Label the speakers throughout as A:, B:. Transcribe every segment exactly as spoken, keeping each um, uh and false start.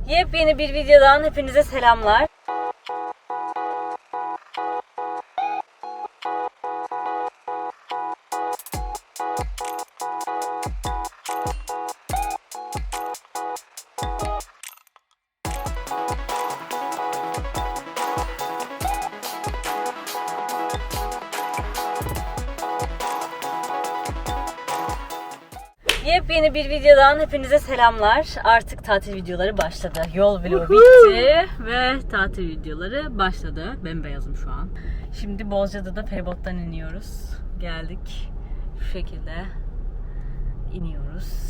A: Yepyeni bir videodan hepinize selamlar. Yepyeni bir videodan hepinize selamlar. Artık tatil videoları başladı. Yol vlogu bitti ve tatil videoları başladı. Bembeyazım şu an. Şimdi Bozcaada'da feribottan iniyoruz. Geldik. Şu şekilde iniyoruz.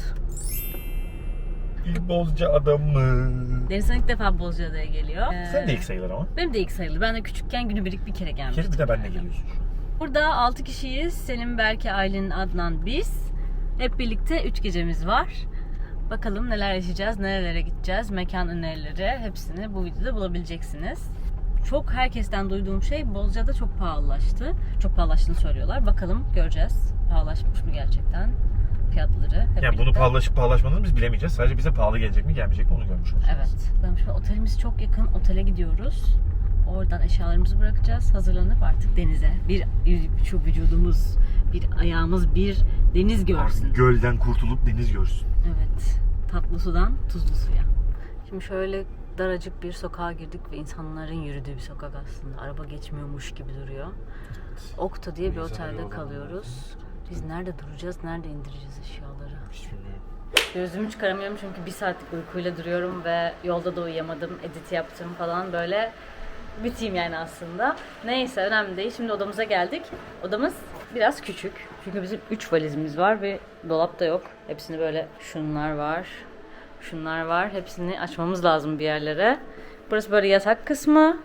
B: Bozcaada mı?
A: Denizhan ilk defa Bozcaada'ya geliyor. Ee,
B: Sen de ilk sayılır ama.
A: Benim de ilk sayılır. Ben de küçükken günübirlik bir kere gelmiştim.
B: Bir de benle geliyorsun şu an.
A: Burada altı kişiyiz. Selim, Berke, Aylin, Adnan, biz. Hep birlikte üç gecemiz var. Bakalım neler yaşayacağız, nerelere gideceğiz, mekan önerileri hepsini bu videoda bulabileceksiniz. Çok herkesten duyduğum şey Bozcaada çok pahalılaştı. Çok pahalılaştığını söylüyorlar. Bakalım göreceğiz. Pahalılaşmış mı gerçekten fiyatları? Hep
B: Yani bunu
A: birlikte.
B: pahalılaşıp pahalaşmadığını biz bilemeyeceğiz. Sadece bize pahalı gelecek mi gelmeyecek mi onu görmüş olacağız.
A: Evet. Ben şimdi otelimiz çok yakın. Otele gidiyoruz. Oradan eşyalarımızı bırakacağız. Hazırlanıp artık denize. Bir şu vücudumuz, bir ayağımız bir deniz görsün.
B: Artık gölden kurtulup deniz görsün.
A: Evet. Tatlı sudan tuzlu suya. Şimdi şöyle daracık bir sokağa girdik ve insanların yürüdüğü bir sokak aslında. Araba geçmiyormuş gibi duruyor. Okta diye bir otelde kalıyoruz. Biz nerede duracağız, nerede indireceğiz eşyaları?
B: Hiç bilmiyorum.
A: Gözümü çıkaramıyorum çünkü bir saatlik uykuyla duruyorum ve yolda da uyuyamadım, edit yaptım falan böyle. Biteyim yani aslında. Neyse önemli değil. Şimdi odamıza geldik. Odamız biraz küçük. Çünkü bizim üç valizimiz var ve dolap da yok. Hepsini böyle şunlar var. Şunlar var. Hepsini açmamız lazım bir yerlere. Burası böyle yatak kısmı.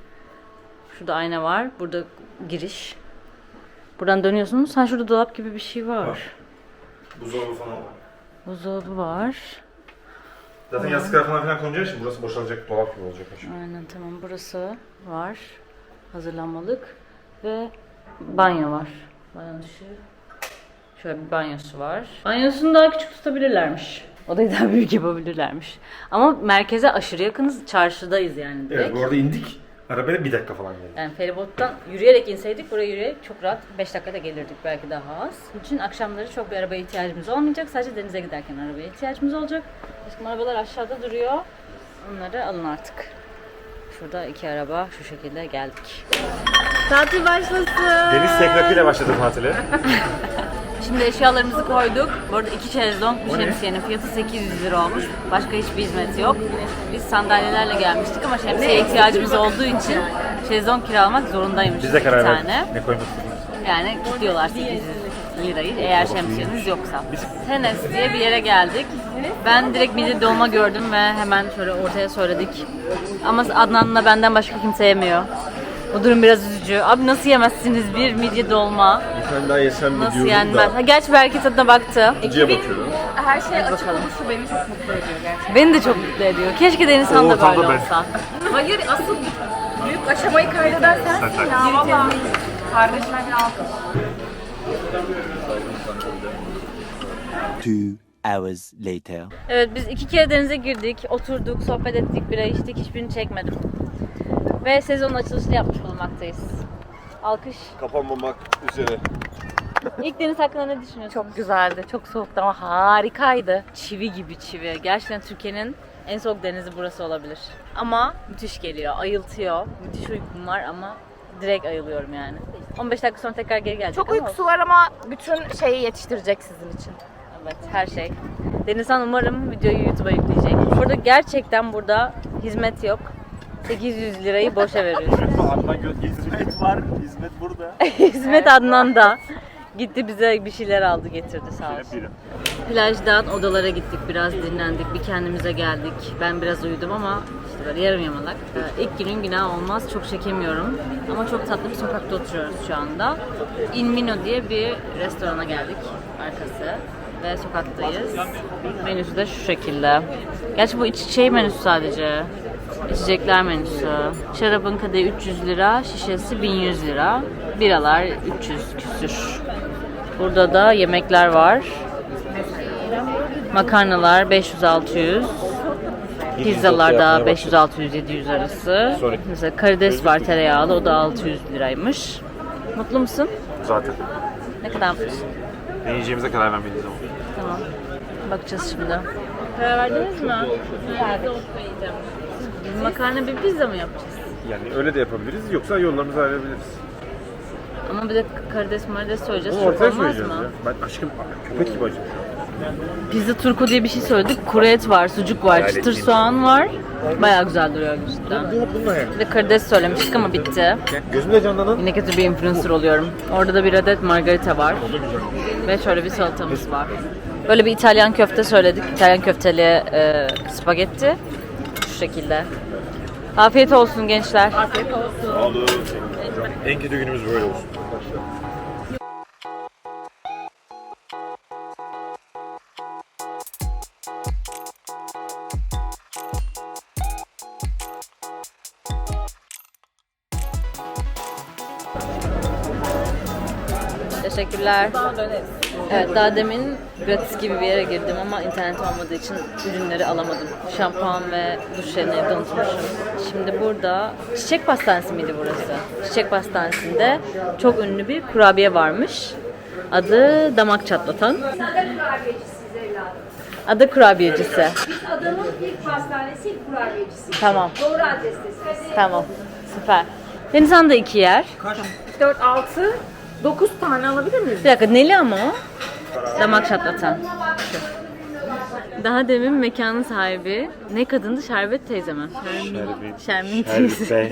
A: Şurada ayna var. Burada giriş. Buradan dönüyorsunuz. Ha şurada dolap gibi bir şey var.
B: Var. Buzdolabı falan var.
A: Buzdolabı var.
B: Zaten yastıklar falan filan konacağı için burası boşalacak, dolap gibi olacak.
A: Aynen tamam, burası var. Hazırlanmalık ve banyo var. Banyo dışı. Şöyle bir banyosu var. Banyosunu daha küçük tutabilirlermiş. Odayı daha büyük yapabilirlermiş. Ama merkeze aşırı yakınız. Çarşıdayız yani direkt.
B: Evet, bu arada indik. Arabaya bir dakika falan geldi.
A: Yani feribottan yürüyerek inseydik buraya yürüyerek çok rahat beş dakikada gelirdik, belki daha az. Bunun için akşamları çok bir arabaya ihtiyacımız olmayacak. Sadece denize giderken arabaya ihtiyacımız olacak. Aşkım arabalar aşağıda duruyor. Onları alın artık. Şurada iki araba şu şekilde geldik. Tatil başlasın.
B: Deniz sekrakıyla başladı tatile.
A: Şimdi eşyalarımızı koyduk. Bu arada iki şezlong bir şemsiyenin fiyatı sekiz yüz lira olmuş. Başka hiçbir hizmeti yok. Biz sandalyelerle gelmiştik ama şemsiye ihtiyacımız olduğu için şezlong kiralamak zorundaymışız.
B: Biz de karar
A: iki
B: verdik.
A: tane.
B: Ne koymak istediğimiz.
A: Yani kilitliyorlar sekiz yüz lirayı eğer şemsiyeniz yoksa. Tenes diye bir yere geldik. Ben direkt midye dolma gördüm ve hemen şöyle ortaya söyledik. Ama Adnan'la benden başka kimse yemiyor. Bu durum biraz üzücü. Abi nasıl yemezsiniz bir midye dolma?
C: Sen daha yesem mi
A: Nasıl
C: diyordum
A: yenmez?
C: da.
A: Ha, gerçi belki tadına baktı.
C: İkinciye bakıyorum.
D: Her şey açık
A: bakalım.
D: oluşu beni çok mutlu ediyor gerçekten.
A: Beni de çok mutlu ediyor. Keşke Deniz Han da
B: O ortamda
A: böyle
B: ben.
A: olsa.
D: Hayır, asıl büyük aşamayı kaydeden sensin ya valla. Kardeşime bir alkış.
E: Two hours later.
A: Evet, biz iki kere denize girdik, oturduk, sohbet ettik, bira içtik, hiçbirini çekmedim. Ve sezonun açılışını yapmış bulunmaktayız. Alkış.
C: Kapanmamak üzere.
A: İlk deniz hakkında ne düşünüyorsun?
D: Çok güzeldi, çok soğuktu ama harikaydı.
A: Çivi gibi çivi. Gerçekten Türkiye'nin en soğuk denizi burası olabilir. Ama müthiş geliyor, ayıltıyor. Müthiş uykum var ama direkt ayılıyorum yani. on beş dakika sonra tekrar geri gelecek
D: Çok
A: ama
D: uykusu var ama bütün şeyi yetiştirecek sizin için.
A: evet, her şey. Denizhan umarım videoyu YouTube'a yükleyecek. Burada gerçekten burada hizmet yok. sekiz yüz lirayı boşa veriyorsun.
C: Adnan göz hizmet var. Hizmet burada.
A: Hizmet Adnan da gitti bize bir şeyler aldı getirdi sağ olsun. Plajdan odalara gittik, biraz dinlendik, bir kendimize geldik. Ben biraz uyudum ama işte böyle yarım yamalak. Ee, ilk günün günah olmaz, çok çekemiyorum. Ama çok tatlı bir sokakta oturuyoruz şu anda. In Mino diye bir restorana geldik, arkası. Ve sokaktayız. Menüsü de şu şekilde. Gerçi bu iç şey menüsü sadece. İçecekler menüsü. Şarabın kadehi üç yüz lira, şişesi bin yüz lira. Biralar üç yüz küsür. Burada da yemekler var. Makarnalar beş yüz altı yüz. Pizzalar da
C: yapmaya
A: beş yüz altı yüz yedi yüz arası.
C: Sorry.
A: Mesela karides var tereyağlı, o da altı yüz liraymış. Mutlu musun?
B: Zaten.
A: Ne kadar mutlusun?
B: Ne yiyeceğimize karar vermeliyiz ama.
A: Tamam. Bakacağız şimdi. Karar verdiniz mi? Verdik. Biz makarna bir pizza mı yapacağız?
B: Yani öyle de yapabiliriz yoksa yollarımızı ayırabiliriz.
A: Ama bir de karides marides söyleyeceğiz.
B: Bunu
A: Çok
B: ortaya
A: olmaz
B: söyleyeceğiz
A: mı?
B: ya. Ben aşkım köpek gibi acım.
A: Pizza turko diye bir şey söyledik. Kuru et var, sucuk var, çıtır soğan var. Bayağı güzel duruyor cidden.
B: Bununla yani.
A: Bir de karides söylemiştik ama bitti.
B: Gözümde canlanan.
A: Yine kötü bir influencer oluyorum. Orada da bir adet margarita var. Ve şöyle bir salatamız var. Böyle bir İtalyan köfte söyledik. İtalyan köfteli e, spagetti. Şu şekilde. Afiyet olsun gençler. Afiyet olsun.
B: Olur. En kötü günümüz böyle olsun.
A: Teşekkürler. Evet, daha demin gratis gibi bir yere girdim ama internet olmadığı için ürünleri alamadım. Şampuan ve duş jelini evde unutmuşum. Şimdi burada Çiçek Pastanesi miydi burası? Çiçek Pastanesi'nde çok ünlü bir kurabiye varmış. Adı Damak Çatlatan. Adı kurabiyecisi.
F: Adamın ilk pastanesi, ilk kurabiyecisi.
A: Tamam.
F: Doğru adrestesiniz.
A: Tamam. Süper. Denizhan da iki yer.
D: dört, altı, dokuz tane alabilir miyiz?
A: Bir dakika, neli ama o? Damak çatlatan. Daha demin mekanın sahibi ne kadındı? Şerbet teyze mi? Şermin, Şermin teyze.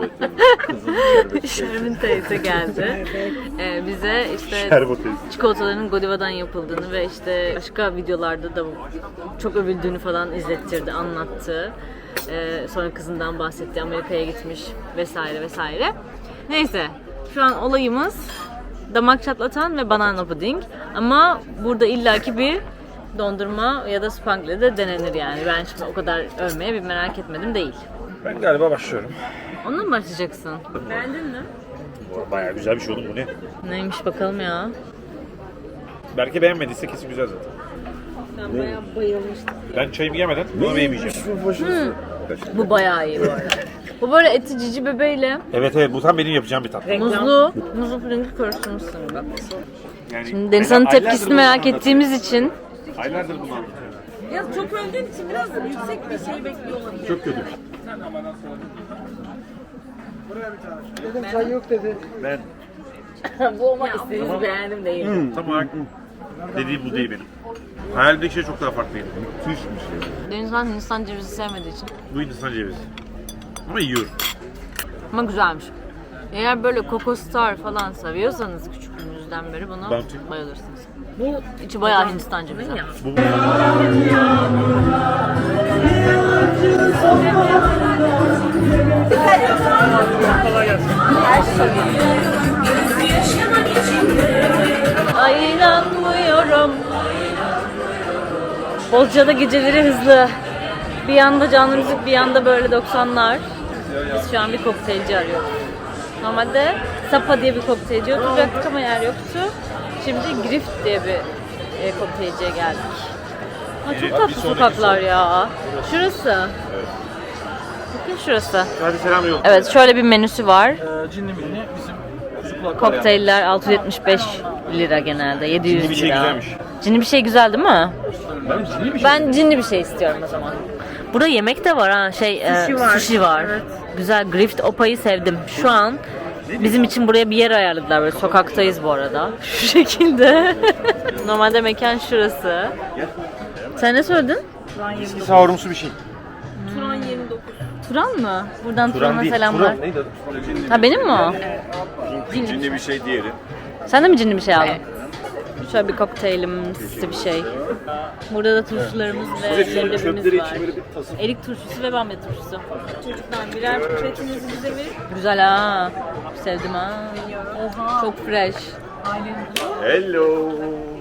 A: Şermin teyze geldi. Ee, bize işte çikolataların Godiva'dan yapıldığını ve işte başka videolarda da çok övüldüğünü falan izlettirdi, anlattı. Ee, sonra kızından bahsetti, Amerika'ya gitmiş vesaire vesaire. Neyse, şu an olayımız damak çatlatan ve banana puding. Ama burada illaki bir dondurma ya da spangle de denenir yani. Ben şimdi o kadar övmeye bir merak etmedim değil.
B: Ben galiba başlıyorum.
A: Onunla mı başlayacaksın? Beğendin mi?
B: Bayağı güzel bir şey oğlum bu ne?
A: Neymiş bakalım ya.
B: Belki beğenmediyse kesin güzel zaten.
A: Ben bayağı bayılmıştım.
B: Ben çayımı yemeden bunu yemeyeceğim.
A: Bu bayağı iyi bu arada. Bu böyle eti cici bebeğiyle
B: Evet evet bu tam benim yapacağım bir tat.
A: muzlu, muzlu pudingi karıştırmışsın bak.
B: Yani
A: Şimdi Denizhan'ın
B: aylardır
A: tepkisini
B: bunu
A: merak
B: anlatıyorum.
A: ettiğimiz için
B: Aylardır bunu anlatıyorum.
D: Ya çok öldüğün için biraz yüksek bir şey bekliyor olabilir.
B: Çok kötü. Ben
A: bu ama istediğinizi beğendim değil.
B: tam olarak dediğim bu değil benim. Hayalimdeki şey çok daha farklıydı. Müthiş bir şey.
A: Denizhan Hindistan cevizi sevmediği için.
B: Bu Hindistan cevizi. Ama yiyorum.
A: Ama güzelmiş. Eğer böyle Coco Star falan seviyorsanız küçüklüğünüzden beri bunu
B: Bounty.
A: bayılırsınız. Bu içi bayağı Hindistan cevizi.
B: Bu
A: Ay inanmıyorum. Bozcaada geceleri hızlı. Bir yanda canlı müzik, bir yanda böyle doksanlar. Biz şu an bir kokteylci arıyoruz. Normalde Sapa diye bir kokteylci oturacaktık ama yer yoktu. Şimdi Grift diye bir e, kokteylciye geldik. Ha, çok tatlı sokaklar ya. Şurası. Bakın şurası.
B: hadi selam yok.
A: Evet, şöyle bir menüsü var.
C: Cinli minli bizim
A: Kokteyller altı yüz yetmiş beş lira genelde. yedi yüz
B: Cinli bir şey
A: lira.
B: güzelmiş.
A: Cinli bir şey güzel değil mi?
C: Ben cinli bir şey.
A: Ben cinli bir şey istiyorum o zaman. Burada yemek de var ha. Şey, sushi e, var. Sushi var. Evet. Güzel. Grift Opa'yı sevdim. Şu an bizim için buraya bir yer ayarladılar. Böyle sokaktayız bu arada. Şu şekilde. Normalde mekan şurası. Sen ne söyledin?
B: Eski sahurumsu bir şey.
D: Turan yirmi dokuz.
A: Turan mı? Buradan Turan'a
B: değil.
A: selamlar.
B: Turan neydi adı?
A: Ha benim mi o?
C: Cinli bir şey diğeri.
A: Sen de mi cinli bir şey aldın? Şöyle bir kokteylimsi bir şey. Burada da turşularımız ve leblebimiz var. Erik turşusu ve bamya turşusu. Çocuklar birer pipetinizi bize verin. Güzel ha. Sevdim ha. Oha. Çok fresh.
C: Hello.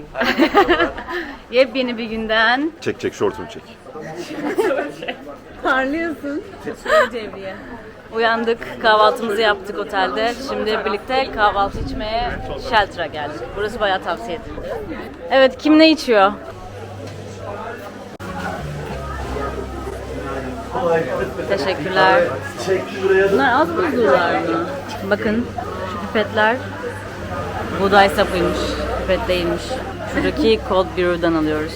A: Yepyeni bir günden
C: Çek çek şortumu çek.
A: parlıyorsun. Cevriye. Uyandık, kahvaltımızı yaptık otelde. Şimdi birlikte kahvaltı içmeye Shelter'a geldik. Burası bayağı tavsiye edildi. Evet, kim ne içiyor? Teşekkürler. Bunlar az buzlular mı? Bakın şu pipetler buğday sapıymış. Pipet değilmiş. Şuradaki Cold Brew'dan alıyoruz.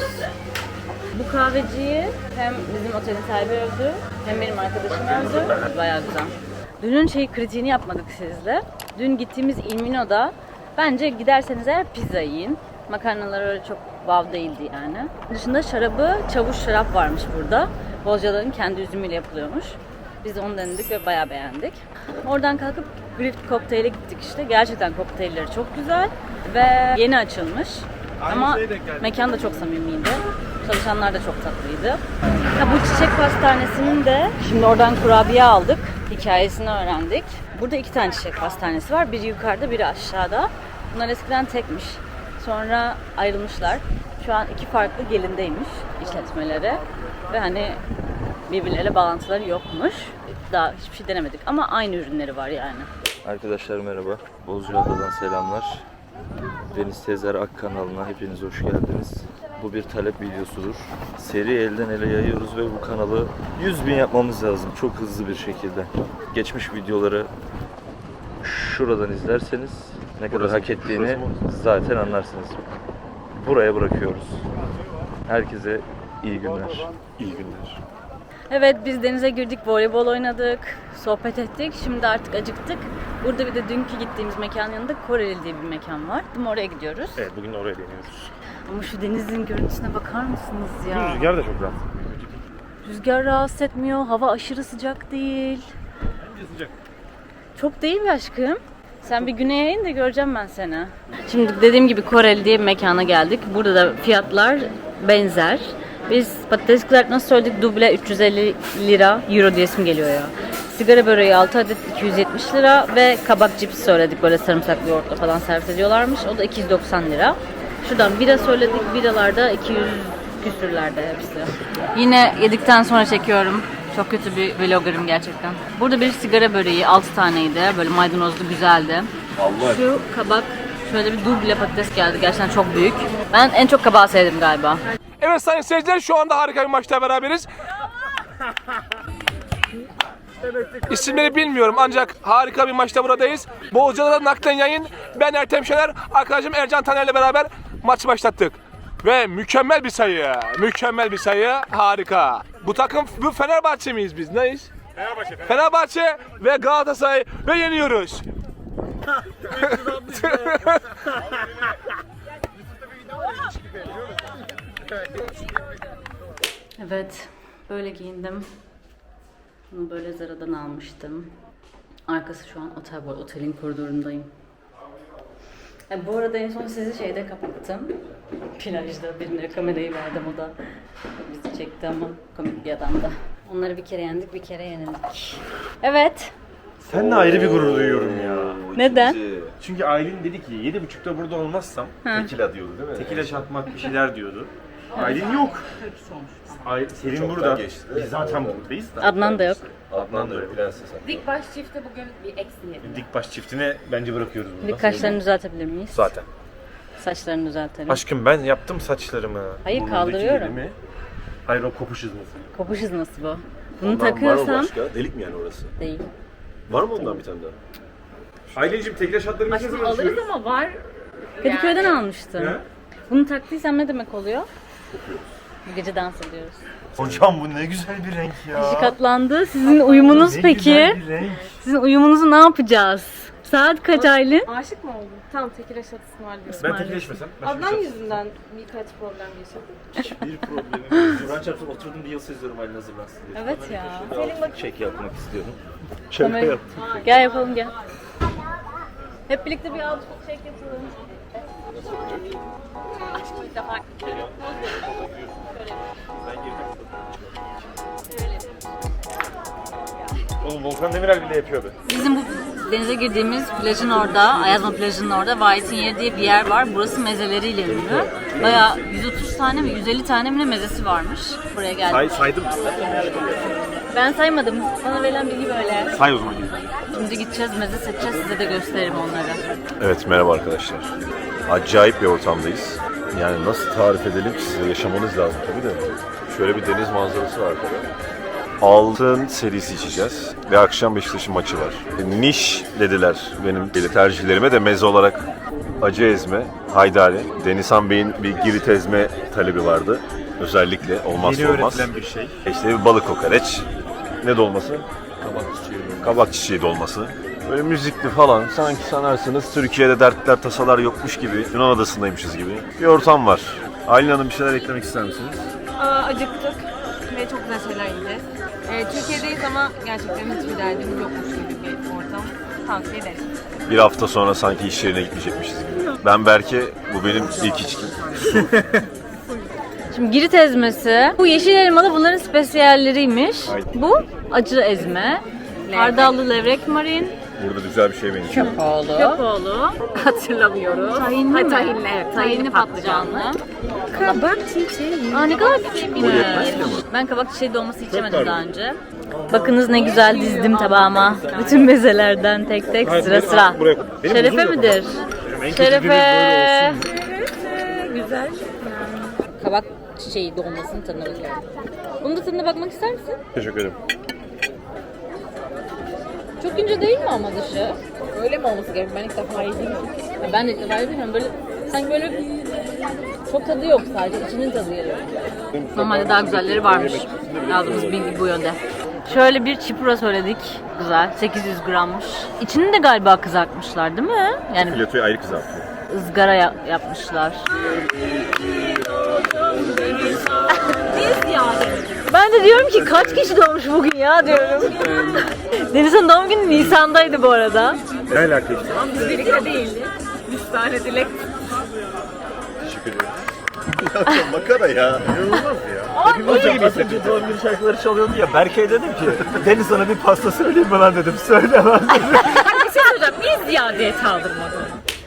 A: Bu kahveciyi hem bizim otelin sahibi övdü, hem benim arkadaşım övdü. Bayağı güzel. Dünün şey kritiğini yapmadık sizle. Dün gittiğimiz Il Mino'da bence giderseniz eğer pizza yiyin. Makarnalar öyle çok wow değildi yani. Dışında şarabı, çavuş şarap varmış burada. Bozcaların kendi üzümüyle yapılıyormuş. Biz de onu denedik ve bayağı beğendik. Oradan kalkıp Grift Kokteyl'e gittik işte. Gerçekten kokteylleri çok güzel ve yeni açılmış. Ama mekan da çok samimiydi. Çalışanlar da çok tatlıydı. Ya bu çiçek pastanesinin de şimdi oradan kurabiye aldık. Hikayesini öğrendik. Burada iki tane çiçek pastanesi var. Biri yukarıda, biri aşağıda. Bunlar eskiden tekmiş. Sonra ayrılmışlar. Şu an iki farklı gelindeymiş işletmeleri. Ve hani birbirleriyle bağlantıları yokmuş. Daha hiçbir şey denemedik ama aynı ürünleri var yani.
G: Arkadaşlar merhaba. Bozcaada'dan selamlar. Deniz Tezer Ak kanalına hepiniz hoş geldiniz. Bu bir talep videosudur. Seri elden ele yayıyoruz ve bu kanalı yüz bin yapmamız lazım çok hızlı bir şekilde. Geçmiş videoları şuradan izlerseniz ne kadar hak ettiğini zaten anlarsınız. Buraya bırakıyoruz. Herkese iyi günler.
B: İyi günler.
A: Evet, biz denize girdik, voleybol oynadık, sohbet ettik. Şimdi artık acıktık. Burada bir de dünkü gittiğimiz mekanın yanında Koreli diye bir mekan var. Şimdi oraya gidiyoruz.
B: Evet, bugün oraya deniyoruz.
A: Ama şu denizin görüntüsüne bakar mısınız ya?
B: Rüzgar da çok rahat.
A: Rüzgar rahatsız etmiyor, hava aşırı sıcak değil.
B: Bence sıcak.
A: Çok değil mi aşkım? Sen bir güneye in de göreceğim ben seni. Şimdi dediğim gibi Koreli diye bir mekana geldik. Burada da fiyatlar benzer. Biz patates kızartması söyledik, duble üç yüz elli lira, euro diye isim geliyor ya. Sigara böreği altı adet iki yüz yetmiş lira ve kabak cips söyledik, böyle sarımsaklı yoğurtla falan servis ediyorlarmış. O da iki yüz doksan lira. Şuradan bira söyledik, biralarda iki yüz küsürlerde hepsi. Yine yedikten sonra çekiyorum. Çok kötü bir vloggerım gerçekten. Burada bir sigara böreği altı taneydi, böyle maydanozlu güzeldi. Şu kabak, şöyle bir duble patates geldi, gerçekten çok büyük. Ben en çok kabağı sevdim galiba.
H: Evet sayın seyirciler, şu anda harika bir maçta beraberiz. İsimleri bilmiyorum ancak harika bir maçta buradayız. Bozcaada'da naklen yayın. Ben Ertem Şener, arkadaşım Ercan Taner'le beraber maçı başlattık. Ve mükemmel bir sayı, mükemmel bir sayı, harika. Bu takım, bu Fenerbahçe miyiz biz, neyiz?
B: Fenerbahçe.
H: Fenerbahçe ve Galatasaray ve yeniyoruz.
A: Evet, böyle giyindim. Bunu böyle Zara'dan almıştım. Arkası şu an otel, bu arada otelin koridorundayım. E, bu arada en son sizi şeyde kapattım. Plajda birine kamerayı verdim, o da bizi çekti ama komik bir adamdı. Onları bir kere yendik, bir kere yenildik. Evet.
B: Seninle ayrı bir gurur duyuyorum ya.
A: Neden?
B: Çünkü Aylin dedi ki yedi buçukta burada olmazsam
C: Tekila diyordu değil mi?
B: tekile çatmak bir şeyler diyordu. Aylin yok. Ay, Selin
C: Çoktan
B: burada.
C: geçti.
B: Biz zaten buradayız da.
A: Adnan da yok.
C: Adnan da öyle. Prenses Adnan.
D: Dik baş çifte bugün bir eksi yedi.
B: Dikbaş çiftine bence bırakıyoruz burada.
A: Bir kaşlarını düzeltebilir miyiz?
B: Zaten.
A: Saçlarını düzeltelim.
B: Aşkım ben yaptım saçlarımı.
A: Hayır,
B: Burnundaki
A: kaldırıyorum.
B: dilimi. Hayır, o kopuş hızlısı.
A: Kopuş hızlısı bu. Bunu
C: Ondan var mı
A: takıyorsam
C: başka? Delik mi yani orası?
A: değil.
C: Var mı ondan bir tane daha?
B: Aylin'cim tekrar şartlarını nasıl
D: Aşkım alırız ama var.
A: Kadıköy'den almıştım.
B: Ne?
A: Bunu taktıysam ne demek oluyor? Bu gece dans ediyoruz.
B: Hocam bu ne güzel bir renk ya.
A: Kişi katlandı. Sizin uyumunuz
B: Ne
A: peki?
B: güzel bir renk.
A: Sizin uyumunuzu ne yapacağız? Saat kaç Aylin?
D: Aşık mı oldun? Tamam, tekil şatı ısmarlıyorum.
B: Ben tekleşmesem.
D: Adnan yüzünden birkaç problem yaşadık.
B: Hiçbir problemim yok. Kur'an çarpsın, oturdum bir yıl seziyorum Aylin hazırlansın diye.
A: Evet ya.
G: Çek yapmak istiyorum.
A: Kamerayı- Gel yapalım gel. Hep birlikte bir outfit check yapalım. Aşkım ilk defa
B: Oğlum Volkan Demirel bile yapıyordu.
A: Bizim bu denize girdiğimiz plajın orada, Ayazma plajının orada Vahit'in yeri diye bir yer var. Burası mezeleriyle ünlü. Bayağı yüz otuz tane mi, yüz elli tane mi ne mezesi varmış. Buraya geldik.
B: Say, saydım.
A: Ben saymadım. Bana verilen bilgi böyle.
B: Say o zaman.
A: Şimdi gideceğiz, meze seçeceğiz. Size de gösteririm onları.
C: Evet, merhaba arkadaşlar. Acayip bir ortamdayız. Yani nasıl tarif edelim ki size, yaşamanız lazım tabii de. Şöyle bir deniz manzarası var arkada. Altın serisi içeceğiz ve akşam Beşiktaş'ın maçı var. Niş dediler benim tercihlerime de meze olarak acı ezme, haydari. Denizhan Bey'in bir girit ezme talebi vardı. Özellikle olmazsa
B: Yeni
C: olmaz.
B: öğretilen bir şey.
C: İşte bir balık kokoreç. Ne dolması?
B: Kabak çiçeği.
C: Kabak çiçeği dolması. Böyle müzikli falan. Sanki sanarsınız Türkiye'de dertler tasalar yokmuş gibi. Yunan adasındaymışız gibi. Bir ortam var. Aylin Hanım bir şeyler eklemek ister misiniz?
D: Aa, acıktık ve çok güzel şeyler yiyeceğiz. Ee, Türkiye'deyiz ama gerçekten hiçbir derdimiz yokmuş gibi bir ortam. Tavsiye ederim.
C: Bir hafta sonra sanki iş yerine gitmeyecekmişiz gibi. Ben Berke, bu benim ilk içkim.
A: Şimdi girit ezmesi. Bu yeşil elmalı bunların spesiyalleriymiş.
C: Aynen.
A: Bu acı ezme. Hardallı levrek marin.
C: Burada güzel bir şey benziyor.
A: Köpoğlu. Köpoğlu. Hatırlamıyorum. Tahinli
D: Ha,
A: mi?
D: tahinli, evet.
A: Tahinli patlıcanlı.
D: Kabak çiçeği.
A: Aa ne kadar küçükmüş. Ben kabak çiçeği dolması içemedim daha önce. Bakınız ne güzel dizdim tabağıma. Bütün mezelerden tek tek sıra sıra. Şerefe midir? Şerefe.
D: Güzel.
A: Kabak çiçeği dolmasının tadına bakıyorum. Bunun da tadına bakmak ister misin?
C: Teşekkür ederim.
A: Çok ince değil mi ama dışı?
D: Öyle mi olması gerekiyor? Ben ilk defa yedim.
A: Ya ben de ilk defa yedim. Böyle sanki böyle çok tadı yok, sadece içinin tadı geliyor. Normalde daha güzelleri varmış. Aldığımız bilgi bu yönde. Şöyle bir çipura söyledik. Güzel. sekiz yüz grammış. İçini de galiba kızartmışlar değil mi? Yani
C: Filetoyu ayrı kızartıyor.
A: ızgara ya- yapmışlar. Ben de diyorum ki kaç kişi doğmuş bugün ya diyorum. Deniz'in doğum günü Nisan'daydı bu arada.
B: Ne alaka işte?
D: Biz birlikte değildik. Üç tane dilek.
C: Teşekkür ederim. Ya makara ya.
B: İnanılmaz ya.
I: Az önce, az önce doğum günü şarkıları çalıyordu ya. Berke'ye dedim ki Deniz sana bir pasta söyleyeyim mi lan dedim. Söylemez dedim.
A: Bir şey söyleyeceğim. Niye ziyadeye saldırmadın?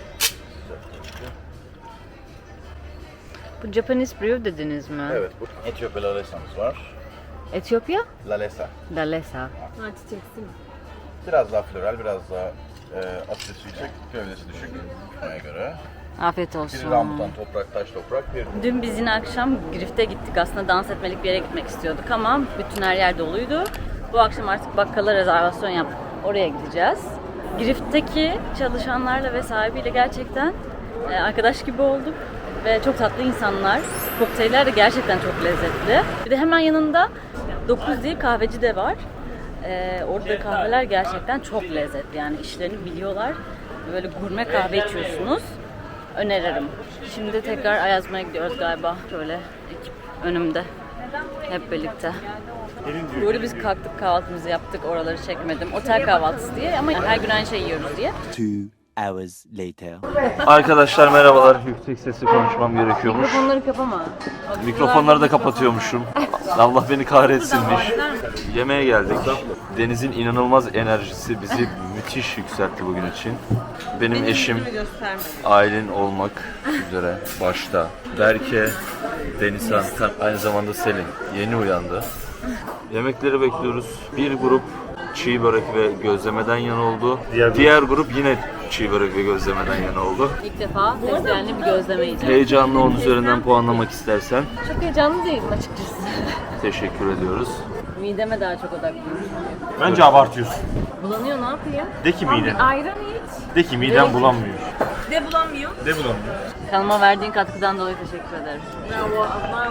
A: Bu Japanese brew dediniz mi?
C: Evet, bu Etiyopya lalesa'mız var.
A: Etiyopya?
C: Lalesa.
A: Lalesa.
D: Ha çiçeksin.
C: Biraz daha floral, biraz daha e, asidesi yüksek, gövdesi düşük buna göre.
A: Afiyet
C: Bir
A: olsun.
C: rambutan, toprak, taş toprak, bir
A: Dün biz yine akşam Grift'e gittik. Aslında dans etmelik bir yere gitmek istiyorduk ama bütün her yer doluydu. Bu akşam artık bakkala rezervasyon yaptık. Oraya gideceğiz. Grift'teki çalışanlarla ve sahibiyle gerçekten e, arkadaş gibi olduk. Ve çok tatlı insanlar. Kokteyller de gerçekten çok lezzetli. Bir de hemen yanında dokuz diye kahveci de var. Ee, orada kahveler gerçekten çok lezzetli. Yani işlerini biliyorlar. Böyle gurme kahve içiyorsunuz. Öneririm. Şimdi tekrar Ayazma'ya gidiyoruz galiba. Şöyle ekip önümde. Hep birlikte. Bu arada biz kalktık, kahvaltımızı yaptık. Oraları çekmedim. Otel kahvaltısı diye ama her gün aynı şey yiyoruz diye.
E: Two hours later.
G: Arkadaşlar merhabalar. Yüksek sesli konuşmam gerekiyormuş.
A: Mikrofonları kapama.
G: Mikrofonları da kapatıyormuşum. Allah beni kahretsinmiş. Yemeğe geldik. Deniz'in inanılmaz enerjisi bizi müthiş yükseltti bugün için. Benim eşim Aylin olmak üzere başta. Berke, Denizhan, aynı zamanda Selin yeni uyandı. Yemekleri bekliyoruz. Bir grup çiğ börek ve gözlemeden yana oldu.
B: Diğer
G: Diğer,
B: grup-
G: grup yine çiğ börek ve gözlemeden yana oldu.
A: İlk defa fesleğenli bir gözleme yiyeceğim.
G: Heyecanlı on üzerinden puanlamak istersen
A: Çok heyecanlı değilim açıkçası.
G: teşekkür ediyoruz.
A: Mideme daha çok odaklıyım.
B: Bence abartıyorsun.
A: Bulanıyor, ne yapayım?
B: De ki miden.
D: Ayran iç.
B: De ki miden bulanmıyor.
D: De bulamıyor.
B: De bulanmıyor.
A: Kanalıma verdiğin katkıdan dolayı teşekkür ederim.
D: Bravo ablam.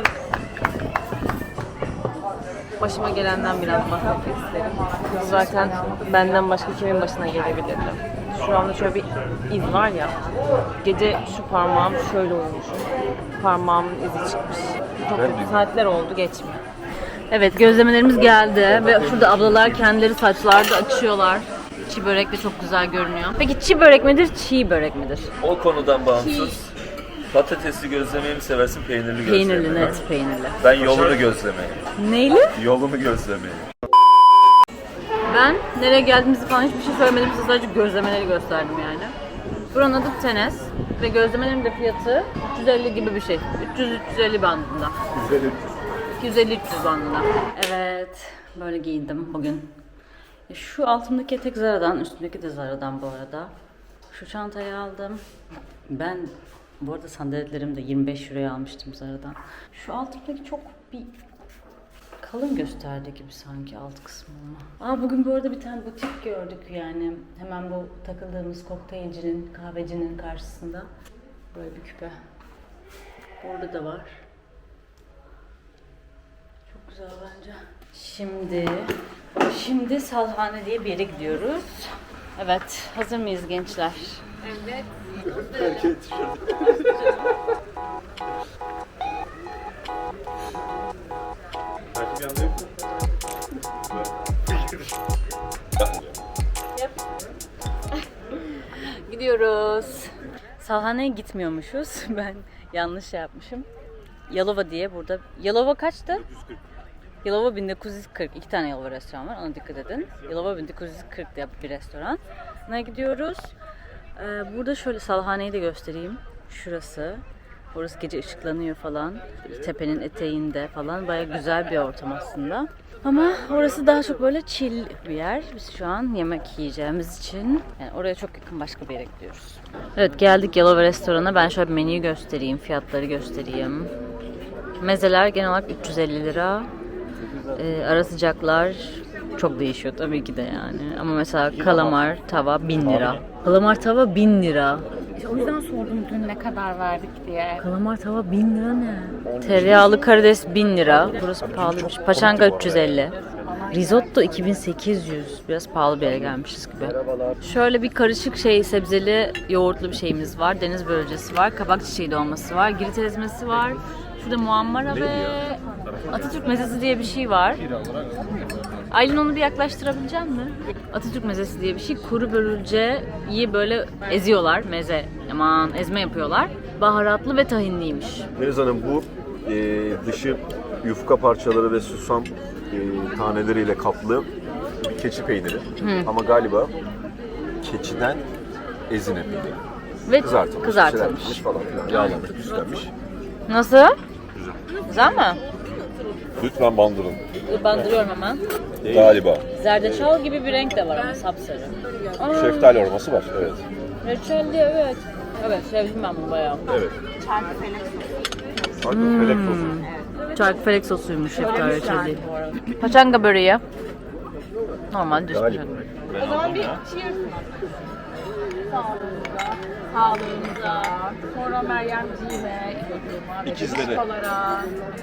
D: Başıma gelenden biraz bahsetmek isterim. Zaten benden başka kimin başına gelebilirdi? Şu anda şöyle bir iz var ya. Gece şu parmağım şöyle olmuşum. Parmağımın izi çıkmış. Çok kötü saatler oldu, geçmiyor.
A: Evet, gözlemelerimiz geldi ve şurada ablalar kendileri saçlarda açıyorlar. Çiğ börek de çok güzel görünüyor. Peki çiğ börek midir, çiğ börek midir?
G: O konudan bağımsız patatesli gözlemeyi mi seversin, peynirli gözlemeyi
A: Peynirli,
G: mi?
A: net peynirli.
G: Ben yolunu gözlemeyi.
A: Neyli?
G: Yolunu gözlemeyi.
A: Ben nereye geldiğimizi falan hiçbir şey söylemedim, size sadece gözlemeleri gösterdim yani. Buranın adı Tenes ve gözlemelerin de fiyatı üç yüz elli gibi bir şey. üç yüz üç yüz elli bandında. iki yüz elli üç yüz bandında. Evet, böyle giyindim bugün. Şu altımdaki etek Zara'dan, üstümdeki de Zara'dan bu arada. Şu çantayı aldım. Ben bu arada sandaletlerimi de yirmi beş euroya almıştım Zara'dan. Şu altımdaki çok bir kalın gösterdi gibi sanki alt kısmı ama. Aa, bugün bu arada bir tane butik gördük yani. Hemen bu takıldığımız kokteylcinin, kahvecinin karşısında. Böyle bir küpe. Burada da var. Çok güzel bence. Şimdi, şimdi Salhane diye bir yere gidiyoruz. Evet, hazır mıyız gençler? Evet. Gidiyoruz. Salhane'ye gitmiyormuşuz. Ben yanlış şey yapmışım. Yalova diye burada. Yalova kaçtı? Yalova bin dokuz yüz kırk. İki tane Yalova restoran var. Ona dikkat edin. Yalova bin dokuz yüz kırk diye bir restoran. Ne gidiyoruz? Ee, burada şöyle Salhane'yi de göstereyim. Şurası. Orası gece ışıklanıyor falan. Tepenin eteğinde falan. Baya güzel bir ortam aslında. Ama orası daha çok böyle chill bir yer. Biz şu an yemek yiyeceğimiz için yani oraya çok yakın başka bir yere gidiyoruz. Evet, geldik Yalova restorana. Ben şöyle bir menüyü göstereyim, fiyatları göstereyim. Mezeler genel olarak üç yüz elli lira. Ee, ara sıcaklar çok değişiyor tabii ki de yani. Ama mesela kalamar tava bin lira. Kalamar tava bin lira.
D: İşte o yüzden sordum dün ne kadar verdik diye.
A: Kalamar tava bin lira ne? Tereyağlı karides bin lira. Burası pahalıymış. Paçanga üç yüz elli. Risotto iki bin sekiz yüz. Biraz pahalı bir yere gelmişiz gibi. Şöyle bir karışık şey, sebzeli yoğurtlu bir şeyimiz var. Deniz börülcesi var. Kabak çiçeği dolması var. Girit ezmesi var. Şurada muammara ve Atatürk mezesi diye bir şey var. Aylin, onu bir yaklaştırabilecek mi? Atatürk mezesi diye bir şey. Kuru börülceyi böyle eziyorlar. Meze, aman ezme yapıyorlar. Baharatlı ve tahinliymiş.
C: Deniz Hanım, bu e, dışı yufka parçaları ve susam e, taneleriyle kaplı bir keçi peyniri.
A: Hı.
C: Ama galiba keçiden ezine peyniri.
A: Ve
C: Kızartılmış,
A: kızartılmış.
C: çiğlenmiş falan filan. Yağlanmış, püslenmiş.
A: Nasıl?
C: Güzel.
A: Güzel mi?
C: Lütfen bandırın.
A: Bandırıyorum hemen.
C: Galiba.
A: Zerdeçal gibi bir renk de var ama sapsarı. Aa,
C: Şeftali aroması var, evet.
A: reçelli, evet. Evet, sevdim ben bunu bayağı.
C: Evet. Çarkı felek sosu.
A: Çarkıfelek sosuymuş şeftali reçelli. Paçanga böreği. Normal düz
C: Galiba.
A: paçanga.
D: O zaman bir cheers. Sağlığınıza, sonra Meryemciğime, İlhan'ıma ve
C: İkizleri.
D: Beşikalara.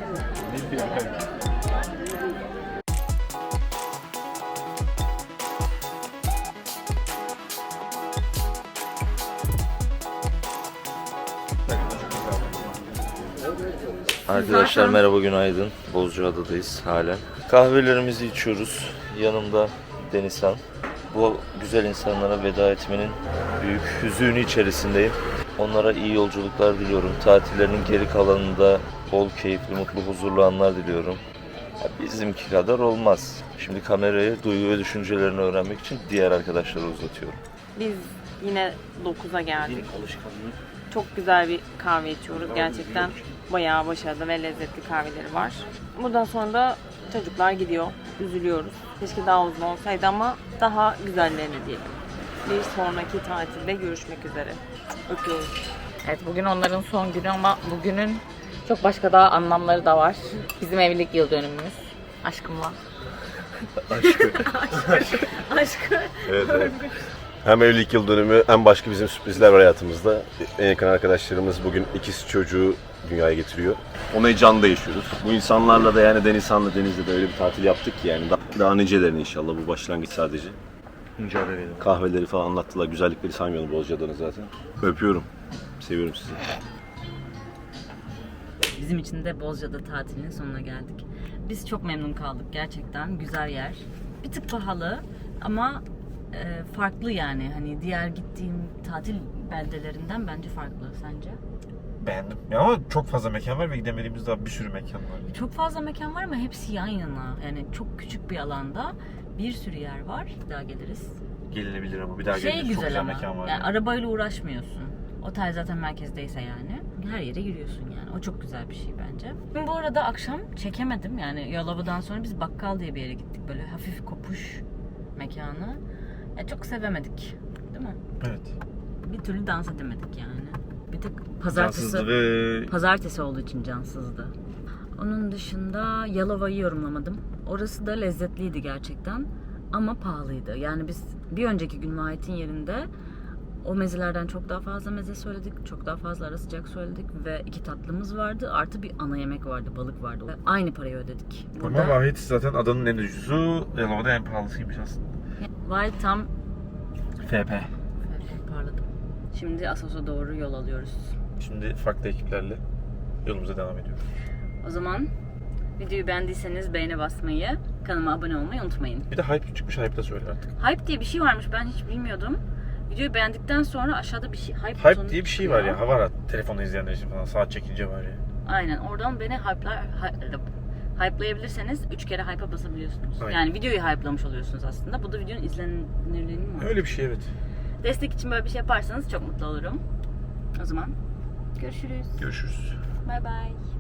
G: Arkadaşlar merhaba, günaydın. Bozcaada'dayız halen. Kahvelerimizi içiyoruz. Yanımda Denizhan. Bu güzel insanlara veda etmenin büyük hüzünü içerisindeyim. Onlara iyi yolculuklar diliyorum. Tatillerinin geri kalanında bol keyifli, mutlu, huzurlu anlar diliyorum. Ya bizimki kadar olmaz. Şimdi kamerayı, duygu ve düşüncelerini öğrenmek için diğer arkadaşlara uzatıyorum.
D: Biz yine dokuza geldik. Çok güzel bir kahve içiyoruz. Gerçekten bayağı başarılı ve lezzetli kahveleri var. Buradan sonra da çocuklar gidiyor. Üzülüyoruz. Keşke daha uzun olsaydı ama daha güzellerini diyelim. Bir sonraki tatilde görüşmek üzere. Öpüyoruz.
A: Evet, bugün onların son günü ama bugünün çok başka daha anlamları da var. Bizim evlilik yıl dönümümüz. Aşkımla. Aşkı.
C: Evet, evet. Hem evlilik yıl dönümü hem başka bizim sürprizler var hayatımızda. En yakın arkadaşlarımız bugün ikisi çocuğu dünyaya getiriyor. Onu heyecanla yaşıyoruz. Bu insanlarla da yani Denizhan'la Deniz'de de öyle bir tatil yaptık ki yani. Daha, daha nicelerini inşallah, bu başlangıç sadece. Kahveleri falan anlattılar. Güzellikleri saymıyorum Bozcaada'nın zaten. Öpüyorum. Seviyorum sizi.
A: Bizim için de Bozcaada tatilinin sonuna geldik. Biz çok memnun kaldık gerçekten. Güzel yer. Bir tık pahalı ama e, farklı yani. Hani diğer gittiğim tatil beldelerinden bence farklı. Sence?
I: Beğendim. Ya ama çok fazla mekan var ve gidemediğimiz daha bir sürü mekan var.
A: Çok fazla mekan var ama hepsi yan yana. Yani çok küçük bir alanda bir sürü yer var. Bir daha geliriz.
I: Gelinebilir ama bir daha
A: Şey
I: gelinir. Çok
A: güzel
I: güzel
A: ama.
I: mekan var.
A: Yani
I: Yani.
A: arabayla uğraşmıyorsun. Otel zaten merkezdeyse yani. Her yere giriyorsun yani. O çok güzel bir şey bence. Ben bu arada akşam çekemedim. Yani Yalova'dan sonra biz Bakkal diye bir yere gittik. Böyle hafif kopuş mekanı. Ya çok sevemedik. Değil mi?
I: Evet.
A: Bir türlü dans edemedik yani. Bir tek pazartesi,
I: Cansızdı ve
A: pazartesi olduğu için cansızdı. Onun dışında Yalova'yı yorumlamadım. Orası da lezzetliydi gerçekten ama pahalıydı. Yani biz bir önceki gün Vahit'in yerinde o mezelerden çok daha fazla meze söyledik. Çok daha fazla ara sıcak söyledik ve iki tatlımız vardı. Artı bir ana yemek vardı, balık vardı. Aynı parayı ödedik.
B: Ama Vahit zaten adanın en ucuzu, Yalova'da en pahalısıymış aslında.
A: Vahit tam
B: F P.
A: parladım. Şimdi Assos'a doğru yol alıyoruz.
B: Şimdi farklı ekiplerle yolumuza devam ediyoruz.
A: O zaman videoyu beğendiyseniz beğene basmayı, kanalıma abone olmayı unutmayın.
B: Bir de hype çıkmış, hype da söyle artık.
A: Hype diye bir şey varmış, ben hiç bilmiyordum. Videoyu beğendikten sonra aşağıda bir şey, hype,
B: Hype
A: butonu
B: diye bir şey
A: çıkıyor.
B: var ya, var ya telefonda izleyenler için falan, saat çekince var ya.
A: Aynen, oradan beni hype'lar, hy- hype'layabilirseniz üç kere hype'a basabiliyorsunuz.
B: Aynen.
A: Yani videoyu hype'lamış oluyorsunuz aslında. Bu da videonun izlenirliğinin var.
B: Öyle bir şey, evet.
A: Destek için böyle bir şey yaparsanız çok mutlu olurum. O zaman görüşürüz.
B: Görüşürüz.
A: Bye bye.